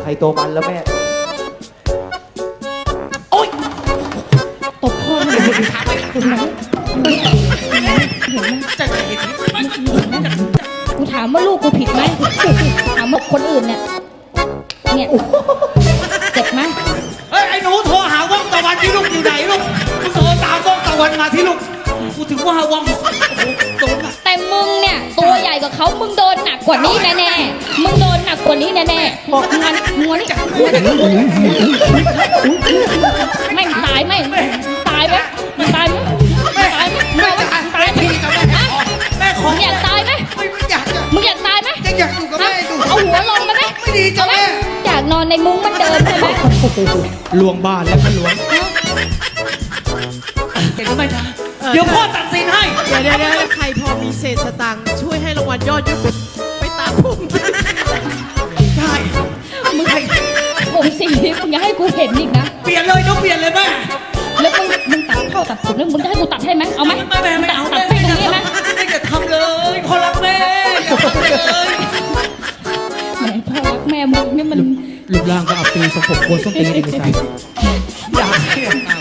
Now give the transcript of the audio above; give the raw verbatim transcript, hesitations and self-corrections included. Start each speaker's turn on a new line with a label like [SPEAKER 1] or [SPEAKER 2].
[SPEAKER 1] รตัวมันแล้วแม่โอ๊ย
[SPEAKER 2] ตบพ่อเลยเห็นไหมเห็นไหม
[SPEAKER 3] จะเห็น
[SPEAKER 2] กูถามว่าลูกกูผิดไหมถามว่าคนอื่นเนี่ยเนี่ยเจ็บไหม
[SPEAKER 3] เฮ้ยไอ้หนูโทรหาว่องตะวันที่ลูกอยู่ไหนลูกมึงโทรตามว่องตะวันมาที่ลูกกูถึงว่าว่องโดนอะ
[SPEAKER 2] แต่มึงเนี่ยตัวใหญ่กว่าเขามึงโดนหนักกว่านี้แน่ๆมึงโดนหนักกว่านี้แน่ๆบอกงานงัวนี่ไม่ตายไม่ตายไหมมันตายไหมไม่ตายไหมไม่ตายไหม
[SPEAKER 3] แม่ขอ
[SPEAKER 2] มึงอยากตายไหม
[SPEAKER 3] ไม่อยากจะ
[SPEAKER 2] มึงอยากตายไหม
[SPEAKER 3] ยังอยากอยู่กับแม่อยู่
[SPEAKER 2] เอาหัวลงมาไหม
[SPEAKER 3] ไม่ดีจ้ะแม่
[SPEAKER 2] อยากนอนในมุ้งมันเดิมใช่ไหม
[SPEAKER 1] ลวงบ้านแล้วมันลวง
[SPEAKER 3] เห็นไหมนะเดี๋ยวพ่อตัดสินให้
[SPEAKER 4] เดี๋ยวเดี๋ยวเดี๋ยวใครพอมีเศษสตังค์ช่วยให้รางวัลยอดเยอะไปตามพุ่ง
[SPEAKER 3] ใช่
[SPEAKER 2] มึงผมสีมึงอย่าให้กูเห็นอีกนะ
[SPEAKER 3] เปลี่ยนเลยต้องเปลี่ยนเลยแม่
[SPEAKER 2] แล้วมึงมึงตัดเข้าตัดผมแล้วมึงจะให้กูตัดให้ไหมเอาไหม
[SPEAKER 3] แม่แม่ไม่เอา
[SPEAKER 2] ตัดให้ตรงนี้ไหม
[SPEAKER 3] ไม่จะทำเลยพ่อรักแม่อย่าทำเลย
[SPEAKER 2] แม่พ่อรักแม่มึงนี่มัน
[SPEAKER 1] รูปร่างก็อับปีสมผมโคนส้นตีนอีกใจ
[SPEAKER 3] อยากให้